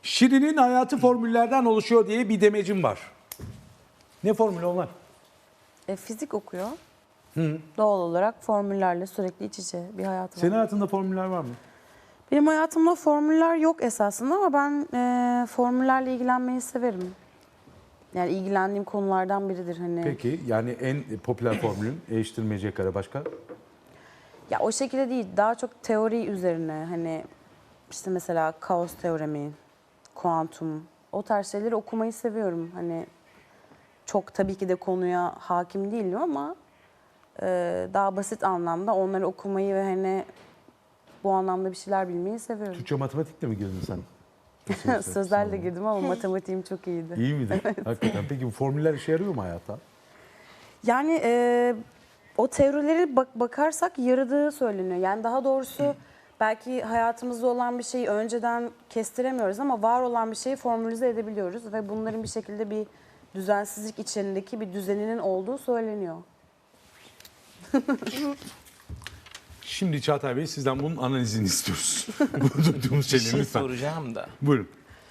Şirin'in hayatı formüllerden oluşuyor diye bir demecim var. Ne formülü onlar? Fizik okuyor. Doğal olarak formüllerle sürekli iç içe bir hayatı var. Senin hayatında formüller var mı? Benim hayatımda formüller yok esasında ama ben formüllerle ilgilenmeyi severim. Yani ilgilendiğim konulardan biridir hani. Peki yani en popüler formülün eşittirmece kare başka? Ya o şekilde değil, daha çok teori üzerine hani işte mesela kaos teoremi, kuantum, o tarz şeyleri okumayı seviyorum. Hani çok tabii ki de konuya hakim değilim ama daha basit anlamda onları okumayı ve hani bu anlamda bir şeyler bilmeyi seviyorum. Türkçe matematikle mi girdin sen? Sözlerle girdim ama matematiğim çok iyiydi. İyi miydi? Hakikaten. Peki bu formüller işe yarıyor mu hayata? Yani o teorileri bakarsak yaradığı söyleniyor. Yani daha doğrusu belki hayatımızda olan bir şeyi önceden kestiremiyoruz ama var olan bir şeyi formülize edebiliyoruz ve bunların bir şekilde bir düzensizlik içindeki bir düzeninin olduğu söyleniyor. Şimdi Çağatay Bey sizden bunun analizini istiyoruz. Bu duyduğumuz Bir şeyleri şey lütfen. soracağım da. Buyurun.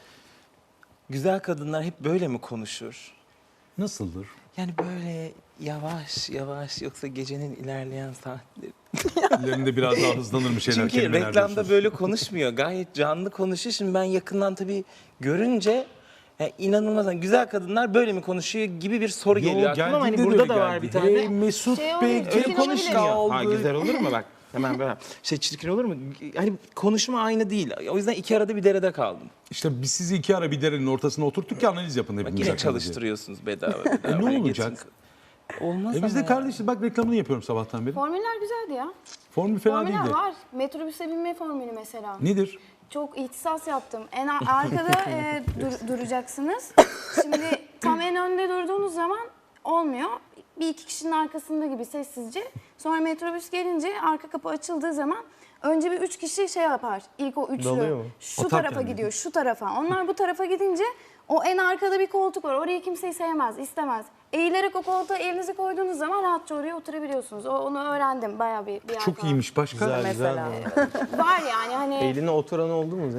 Güzel kadınlar hep böyle mi konuşur? Nasıldır? Yani böyle yavaş yavaş yoksa gecenin ilerleyen saatleri. Ellerinde biraz daha hızlanır mı şeyler? Çünkü kelimeler reklamda diyorsunuz? böyle konuşmuyor. Gayet canlı konuşuyor. Şimdi ben yakından tabii görünce inanılmaz. Yani güzel kadınlar böyle mi konuşuyor gibi bir soru geliyor aklıma ama hani geldiğinde de burada öyle da var geldi. bir tane. Hey Mesut Şey Bey oluyor, Öyle çirkin kim konuşmuyor. kaldı? Ha güzel olur mu bak? Hemen böyle. Çirkin olur mu? Hani konuşma aynı değil. O yüzden iki arada bir derede kaldım. İşte biz sizi iki ara bir derenin ortasına oturttuk ki analiz yapın Bak hepimiz yine hakkında diye. çalıştırıyorsunuz bedava. Ne Hani olacak? getirin. Olmaz Biz ama de ya. kardeşiz bak reklamını yapıyorum sabahtan beri. Formüller güzeldi ya. Formül fena Formüller değil de. var. Metrobüse binme formülü mesela. Nedir? Çok ihtisas yaptım. En arkada duracaksınız. Şimdi tam en önde durduğunuz zaman olmuyor. Bir iki kişinin arkasında gibi sessizce. Sonra metrobüs gelince arka kapı açıldığı zaman önce bir üç kişi şey yapar. İlk o üçlü Dalıyor mu? şu Atar tarafa kendini. gidiyor, şu tarafa. Onlar bu tarafa gidince o en arkada bir koltuk var. Orayı kimseyi sevmez, istemez. Eğilerek o koltuğa elinizi koyduğunuz zaman rahatça oraya oturabiliyorsunuz. Onu öğrendim bayağı bir yer Çok falan. iyiymiş başka. Güzel, Mesela. güzel. Var yani hani. Eline oturan oldu mu?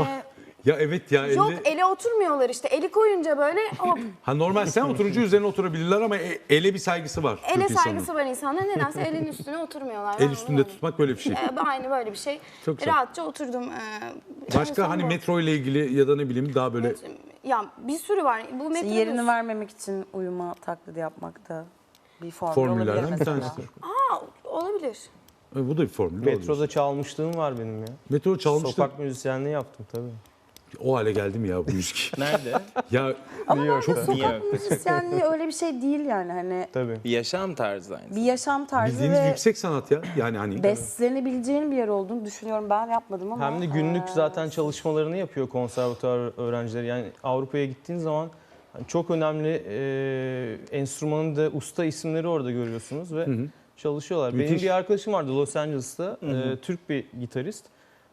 Ya evet ya Yok elle... ele oturmuyorlar işte. Eli koyunca böyle hop. Ha normal sen oturunca üzerine oturabilirler ama ele bir saygısı var. Ele Türk insanının. saygısı var insanlar. Nedense elin üstüne oturmuyorlar. El üstünde tutmak böyle bir şey. Aynı böyle bir şey. Çok güzel. Rahatça oturdum. Başka hani metro ile ilgili ya da ne bileyim daha böyle Ya bir sürü var. Bu İşte metrobüs. yerini vermemek için uyuma taklidi yapmak da bir formül olabilir formüllerden bir mesela. tanesi. Olabilir. Bu da bir formül. Metroda çalmışlığım var benim ya. Metro çalmıştı. Sokak müzisyenliği yaptım tabii. O hale geldi mi ya bu müzik? Nerede? Ya Ama bence York'ta. sokak müzisyenliği öyle bir şey değil yani hani Tabii. Bir yaşam tarzı aynı. bir yaşam tarzı bildiğiniz ve yüksek sanat ya. Yani hani beslenebileceğin bir yer olduğunu düşünüyorum. Ben yapmadım ama. Hem de günlük zaten çalışmalarını yapıyor konservatuvar öğrencileri. Yani Avrupa'ya gittiğin zaman hani çok önemli enstrümanın da usta isimleri orada görüyorsunuz ve çalışıyorlar. Benim Müthiş. bir arkadaşım vardı Los Angeles'ta, Türk bir gitarist.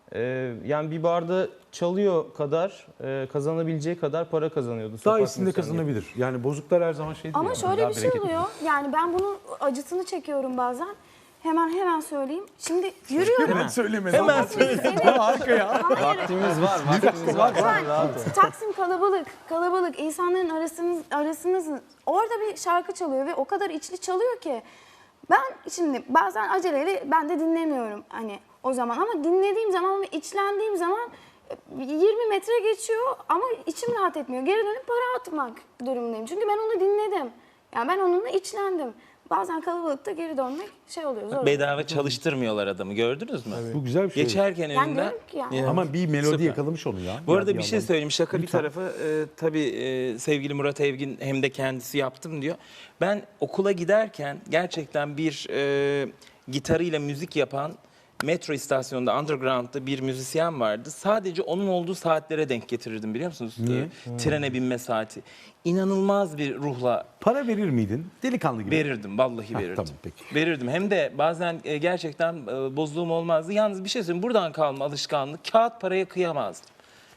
Yani bir barda çalıyor kadar, kazanabileceği kadar para kazanıyordu. daha sokak iyisini de müzisyenliği. kazanabilir. Yani bozuklar her zaman şey değil. Ama yani, şöyle daha bir şey bereketli. oluyor. Yani ben bunun acısını çekiyorum bazen. Hemen söyleyeyim. Şimdi yürüyorum. Hemen söyleme. Hemen Harika ya. Vaktimiz var, vaktimiz var. Rahat ol. Taksim kalabalık. İnsanların arasınız. Orada bir şarkı çalıyor ve o kadar içli çalıyor ki. Ben şimdi bazen aceleyle ben de dinlemiyorum hani o zaman ama dinlediğim zaman ve içlendiğim zaman 20 metre geçiyor ama içim rahat etmiyor. Geri dönüp para atmak durumundayım. Çünkü ben onu dinledim. Yani ben onunla içlendim. Bazen kalabalıkta geri dönmek şey oluyor zor. Bedava çalıştırmıyorlar adamı gördünüz mü? Bu güzel bir şey. Geçerken Yani önünden. diyorum ki yani. Ya. Ama bir melodi Süper. yakalamış onu ya. Bu arada Ya bir şey yandan. söyleyeyim. Şaka bir Lütfen. tarafa. Tabii sevgili Murat Evgin hem de kendisi yaptım diyor. Ben okula giderken gerçekten bir gitarıyla müzik yapan metro istasyonunda underground'da bir müzisyen vardı. Sadece onun olduğu saatlere denk getirirdim biliyor musunuz? Niye? Trene binme saati. İnanılmaz bir ruhla Para verir miydin? Delikanlı gibi. verirdim. Vallahi verirdim. tamam, peki. Verirdim. Hem de bazen gerçekten bozduğum olmazdı. Yalnız bir şey söyleyeyim. Buradan kalma alışkanlık. Kağıt paraya kıyamazdım.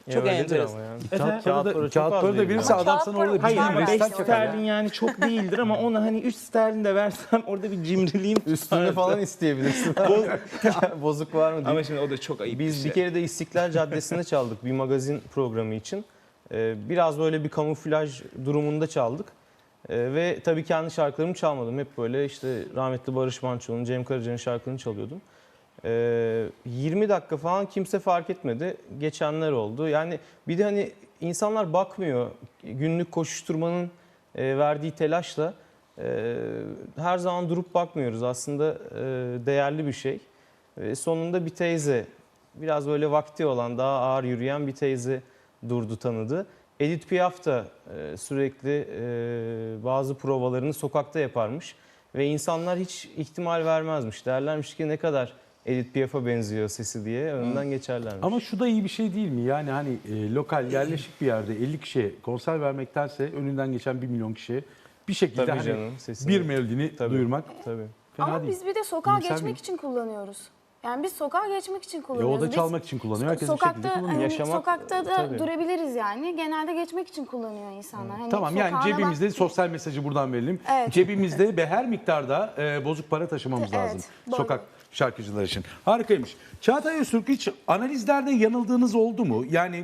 Çok öyledir enteresan. ama yani. Kağıt Kağıt para para da, çok kağıt az para da veriyor. verirse Ama adam kağıt sana para orada Hayır, Hayır bir ama 5 5 dakika sterlin yani çok değildir ama ona hani 3 sterlin de versem orada bir cimriliğim Üstünde tutardı. falan isteyebilirsin. Bozuk var mı diye. Ama şimdi o da çok ayıp Biz bir bir şey. kere de İstiklal Caddesi'nde çaldık bir magazin programı için. Biraz böyle bir kamuflaj durumunda çaldık. Ve tabii kendi şarkılarımı çalmadım. Hep böyle işte rahmetli Barış Manço'nun, Cem Karaca'nın şarkılarını çalıyordum. 20 dakika falan kimse fark etmedi. Geçenler oldu. Yani bir de hani insanlar bakmıyor. Günlük koşuşturmanın verdiği telaşla her zaman durup bakmıyoruz. Aslında değerli bir şey. Sonunda bir teyze, biraz böyle vakti olan, daha ağır yürüyen bir teyze durdu, tanıdı. Edith Piaf da sürekli bazı provalarını sokakta yaparmış. Ve insanlar hiç ihtimal vermezmiş. Derlermiş ki ne kadar Edith Piaf'a benziyor sesi diye önünden geçerlermiş. Ama şu da iyi bir şey değil mi? Yani hani lokal, yerleşik bir yerde 50 kişiye konser vermektense önünden geçen 1 milyon kişiye bir şekilde Tabii hani canım, sesini- bir melodini Tabii. duyurmak Tabii. fena Ama değil. biz bir de sokağa İyimser geçmek miyim? için kullanıyoruz. Yani biz sokağa geçmek için O kullanıyoruz. da Biz çalmak için kullanıyor. Herkes bir sokakta, şekilde kullanıyor. hani Yaşamak, sokakta da tabii. durabiliriz yani. Genelde geçmek için kullanıyor insanlar. Hani Tamam yani sokağına cebimizde bak- sosyal mesajı buradan verelim. Evet. Cebimizde ve her miktarda bozuk para taşımamız Evet, lazım. doğru. Sokak şarkıcılar için. Harikaymış. Çağatay Öztürk, hiç analizlerde yanıldığınız oldu mu? Yani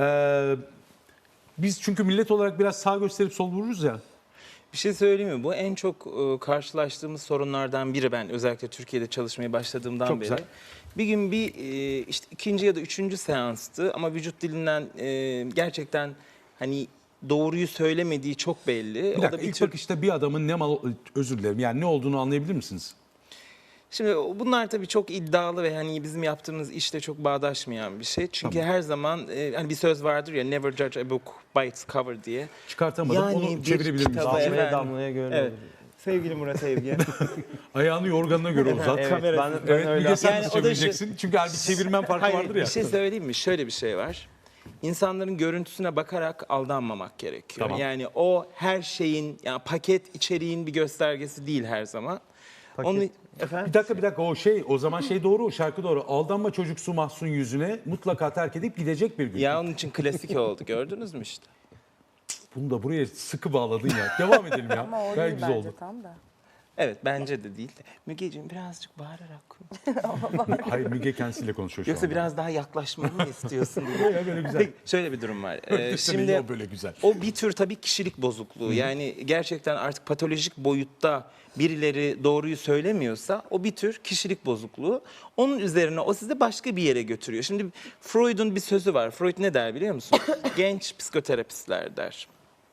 biz çünkü millet olarak biraz sağ gösterip sol vururuz ya. Bir şey söyleyeyim mi? Bu en çok karşılaştığımız sorunlardan biri, ben özellikle Türkiye'de çalışmaya başladığımdan Çok beri. güzel. Bir gün işte ikinci ya da üçüncü seanstı ama vücut dilinden gerçekten hani doğruyu söylemediği çok belli. Bir O dakika, da bir ilk tür... bakışta bir adamın ne mal, özür dilerim, yani ne olduğunu anlayabilir misiniz? Şimdi bunlar tabii çok iddialı ve hani bizim yaptığımız işte çok bağdaşmayan bir şey. Çünkü her zaman hani bir söz vardır ya, never judge a book by its cover diye. Çıkartamadım, Yani onu bir çevirebilir miyiz? kitaba- Damlaya efendim. damlaya göre Evet. olur. Sevgili Murat Evgen. Ayağını yorganına göre uzat. Evet, Kamera- ben Evet, öyle Müge, sen Yani nasıl o da çevireceksin? Çünkü bir çevirmen farkı Hayır, vardır ya. bir şey söyleyeyim mi? Şöyle bir şey var. İnsanların görüntüsüne bakarak aldanmamak gerekiyor. Tamam. Yani o her şeyin, yani paket içeriğin bir göstergesi değil her zaman. Onu efendim. Bir dakika o zaman doğru, o şarkı doğru. Aldanma çocuksu mahzun yüzüne, mutlaka terk edip gidecek bir gün. Ya onun için klasik oldu. Gördünüz mü işte? Bunu da buraya sıkı bağladın ya. Devam edelim ya. Ama o Gayet değil güzel bence oldu. tam da. Evet, bence de değil de. Mügeciğim birazcık bağırarak konuş. Hayır, Müge kendisiyle konuşuyor şu Yoksa anda. biraz daha yaklaşmamı mı istiyorsun? Böyle böyle güzel. Peki, şöyle bir durum var. Şimdi o böyle güzel. O bir tür tabii kişilik bozukluğu. Yani gerçekten artık patolojik boyutta birileri doğruyu söylemiyorsa o bir tür kişilik bozukluğu. Onun üzerine o sizi başka bir yere götürüyor. Şimdi Freud'un bir sözü var. Freud ne der biliyor musun? Genç psikoterapistler der.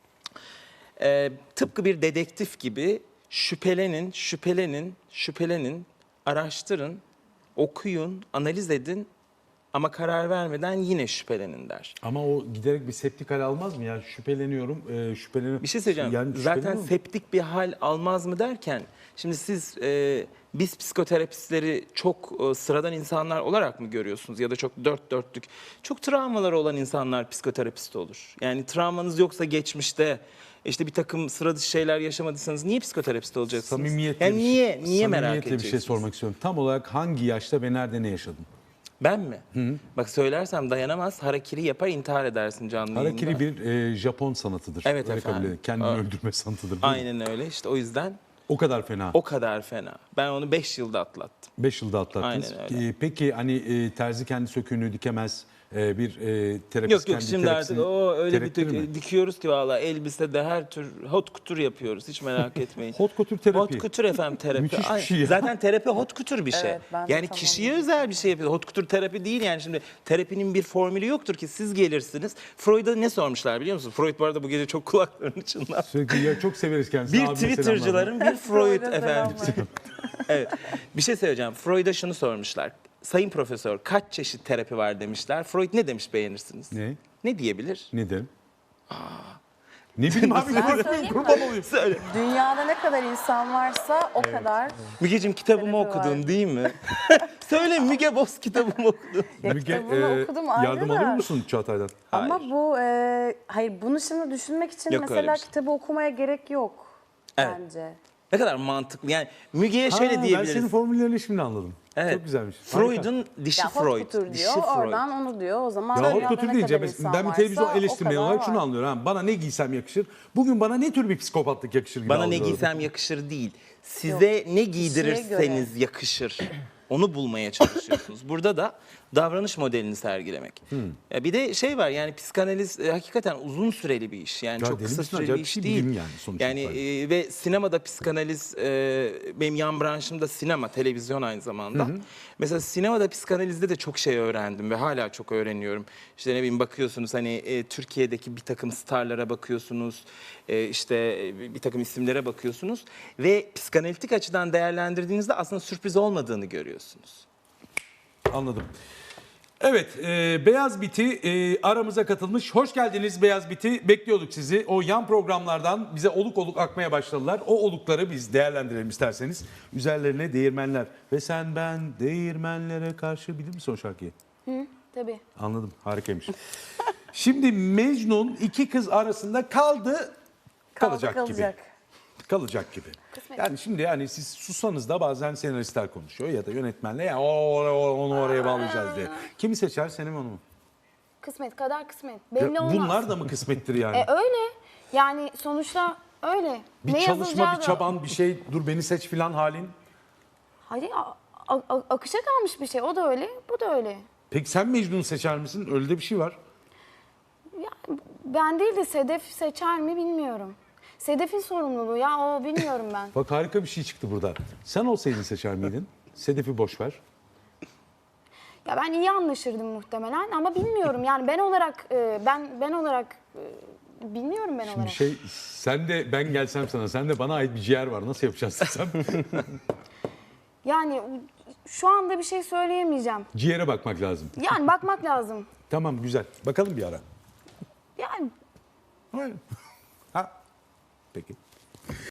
Tıpkı bir dedektif gibi şüphelenin, araştırın, okuyun, analiz edin ama karar vermeden yine şüphelenin der. Ama o giderek bir septik hal almaz mı ya? Şüpheleniyorum. Bir şey söyleyeceğim. Yani Zaten şüpheleniyorum. septik bir hal almaz mı derken, şimdi siz biz psikoterapistleri çok sıradan insanlar olarak mı görüyorsunuz ya da çok dört dörtlük? Çok travmaları olan insanlar psikoterapist olur. Yani travmanız yoksa geçmişte işte bir takım sıra dışı şeyler yaşamadıysanız niye psikoterapist olacaksınız? Samimiyetle Yani niye merak samimiyetle bir edeceksiniz? şey sormak istiyorum. Tam olarak hangi yaşta ve nerede ne yaşadın? Ben mi? Bak söylersem dayanamaz, harakiri yapar, intihar edersin canlı Harakiri yayında. bir Japon sanatıdır. Evet Öyle efendim. kabul edilir. Kendini öldürme sanatıdır. değil mi? Aynen öyle, işte o yüzden O kadar fena. o kadar fena. Ben onu 5 yılda atlattım. 5 yılda atlattınız. Aynen öyle. Peki hani terzi kendi söküğünü dikemez, bir terapist Yok kendi şimdi artık terapisini o öyle bir terektirir mi? dikiyoruz ki valla elbisede her tür hot couture yapıyoruz, hiç merak etmeyin. Hot couture terapi. Hot couture efendim terapi. Müthiş bir Ay, şey ya. Zaten terapi hot couture bir şey. Evet, ben de Yani tam kişiye onu özel bir şey yapıyor. Hot couture terapi değil yani, şimdi terapinin bir formülü yoktur ki siz gelirsiniz. Freud'a ne sormuşlar biliyor musun? Freud bu arada bu gece çok kulaklarını çınlattı. Sürekli ya, çok severiz kendisini. Bir Abime selamlar. Twitter'cıların bir Freud Freud'a efendim. selamlar. Evet. Bir şey söyleyeceğim. Freud'a şunu sormuşlar. Sayın profesör, kaç çeşit terapi var demişler. Freud ne demiş, beğenirsiniz? Ne? Ne diyebilir? Ne derim? Ne bileyim abi. Ben söyleyeyim mi? Kurban olayım. Söyle. Dünyada ne kadar insan varsa o kadar. Mügeciğim kitabımı Terapi okudun var. değil mi? Söyle, Müge Boz kitabımı okudun. Ya Müge, kitabını okudum ayrı yardım da. alır mısın Çağatay'dan? Ama Hayır. bu hayır, bunu şimdi düşünmek için Yok öyle mesela bir şey. kitabı okumaya gerek yok Evet. bence. Ne kadar mantıklı. Yani Müge'ye şöyle Ben diyebiliriz. senin formüllerini şimdi anladım. Evet. Çok güzelmiş. Harika. Freud'un dişi Ya hot Freud. couture Dişi diyor, Freud. oradan onu diyor. O zaman Ya hot dünyada couture ne deyince kadar insan ben bir televizyon varsa o eleştirmeni kadar olarak şunu var. anlıyorum. Ha, bana ne giysem yakışır. Bugün bana ne tür bir psikopatlık yakışır gibi Bana ne algılıyorum. giysem yakışır değil. Size ne giydirirseniz yakışır. Onu bulmaya çalışıyorsunuz. Burada da davranış modelini sergilemek. Ya bir de şey var, yani psikanaliz hakikaten uzun süreli bir iş. Yani Ya çok deli kısa misin? süreli bir Acayip bir iş şey, değil. bilim yani sonuç Yani itibariyle. ve sinemada psikanaliz, benim yan branşım da sinema, televizyon aynı zamanda. Mesela sinemada psikanalizde de çok şey öğrendim ve hala çok öğreniyorum. İşte ne bileyim, bakıyorsunuz hani Türkiye'deki bir takım starlara bakıyorsunuz, işte bir takım isimlere bakıyorsunuz ve psikanalitik açıdan değerlendirdiğinizde aslında sürpriz olmadığını görüyorsunuz. Anladım. Evet, Beyaz Biti aramıza katılmış. Hoş geldiniz Beyaz Biti. Bekliyorduk sizi. O yan programlardan bize oluk oluk akmaya başladılar. O olukları biz değerlendirelim isterseniz. Üzerlerine değirmenler. Ve sen ben değirmenlere karşı, bilir misin o şarkıyı? Tabii. Anladım, harikaymış. Şimdi Mecnun iki kız arasında kalacak gibi. Kalacak gibi. Yani şimdi yani siz sussanız da bazen senaristler konuşuyor ya da yönetmenle ya onu oraya bağlayacağız diye. Kimi seçer, seni mi onu mu? Kısmet kadar kısmet. Ya Belli olmaz. bunlar da mı kısmettir yani? Öyle. Yani sonuçta öyle. Bir ne çalışma, yazılacağı bir da- çaban, bir şey, dur beni seç filan halin. Hayır, akışa kalmış bir şey. O da öyle, bu da öyle. Peki sen Mecnun'u seçer misin? Öyle de bir şey var. Ya, ben değil de Sedef seçer mi bilmiyorum. Sedef'in sorumluluğu ya, o bilmiyorum ben. Bak harika bir şey çıktı burada. Sen olsaydın seçer miydin? Sedef'i boş ver. Ya ben iyi anlaşırdım muhtemelen ama bilmiyorum yani ben olarak bilmiyorum ben Şimdi olarak. sen de ben gelsem sana, sen de bana ait bir ciğer var. Nasıl yapacaksın sen? Yani şu anda bir şey söyleyemeyeceğim. Ciğere bakmak lazım. Yani bakmak lazım. Tamam, güzel. Bakalım bir ara. Yani Ha. Peki.